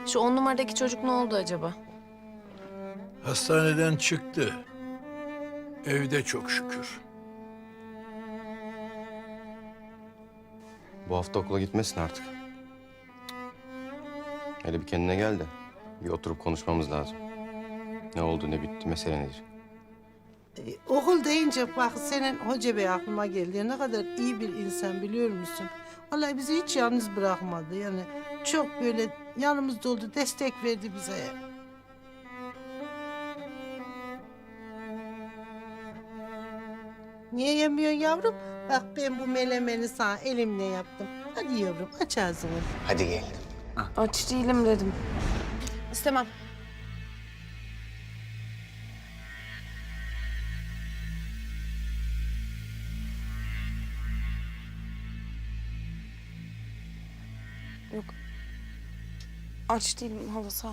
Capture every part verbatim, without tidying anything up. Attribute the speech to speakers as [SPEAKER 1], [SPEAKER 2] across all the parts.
[SPEAKER 1] Şu on numaradaki çocuk ne oldu acaba?
[SPEAKER 2] Hastaneden çıktı. Evde çok şükür.
[SPEAKER 3] Bu hafta okula gitmesin artık. Hele bir kendine gel de bir oturup konuşmamız lazım. Ne oldu, ne bitti, mesele nedir?
[SPEAKER 4] Ee, okul deyince bak senin hoca bey aklıma geldi. Ne kadar iyi bir insan biliyor musun? Vallahi bizi hiç yalnız bırakmadı. Yani çok böyle yanımızda oldu, destek verdi bize. Niye yemiyorsun yavrum? Bak ben bu melemeni sana elimle yaptım. Hadi yavrum aç ağzını.
[SPEAKER 5] Hadi gel.
[SPEAKER 1] Aç değilim dedim. İstemem. Yok. Aç değilim hala, sağ ol.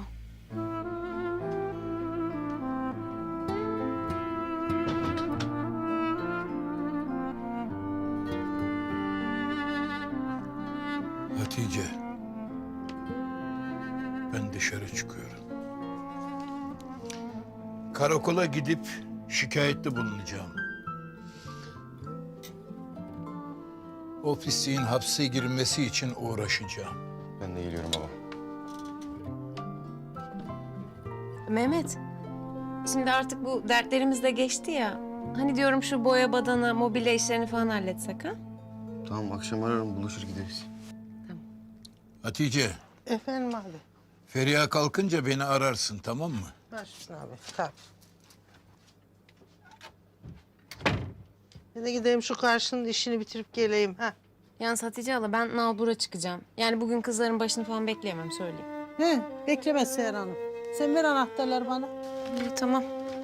[SPEAKER 2] Hatice. Ben dışarı çıkıyorum. Karakola gidip şikayette bulunacağım. O pisliğin hapse girmesi için uğraşacağım.
[SPEAKER 3] Ben de geliyorum baba.
[SPEAKER 1] Mehmet, şimdi artık bu dertlerimiz de geçti ya. Hani diyorum şu boya badana, mobilya işlerini falan halletsek ha?
[SPEAKER 3] Tamam, akşam ararım, buluşur gideriz.
[SPEAKER 2] Hatice,
[SPEAKER 4] Efendim abi.
[SPEAKER 2] Feriha kalkınca beni ararsın, tamam mı?
[SPEAKER 4] Başüstüne abi. Tabii. Ben de gideyim şu karşının işini bitirip geleyim. Ha.
[SPEAKER 1] Yalnız Hatice hala, ben nalbura çıkacağım. Yani bugün kızların başını falan bekleyemem, söyleyeyim.
[SPEAKER 4] He, bekleme Seher Hanım. Sen ver anahtarları bana.
[SPEAKER 1] İyi, tamam.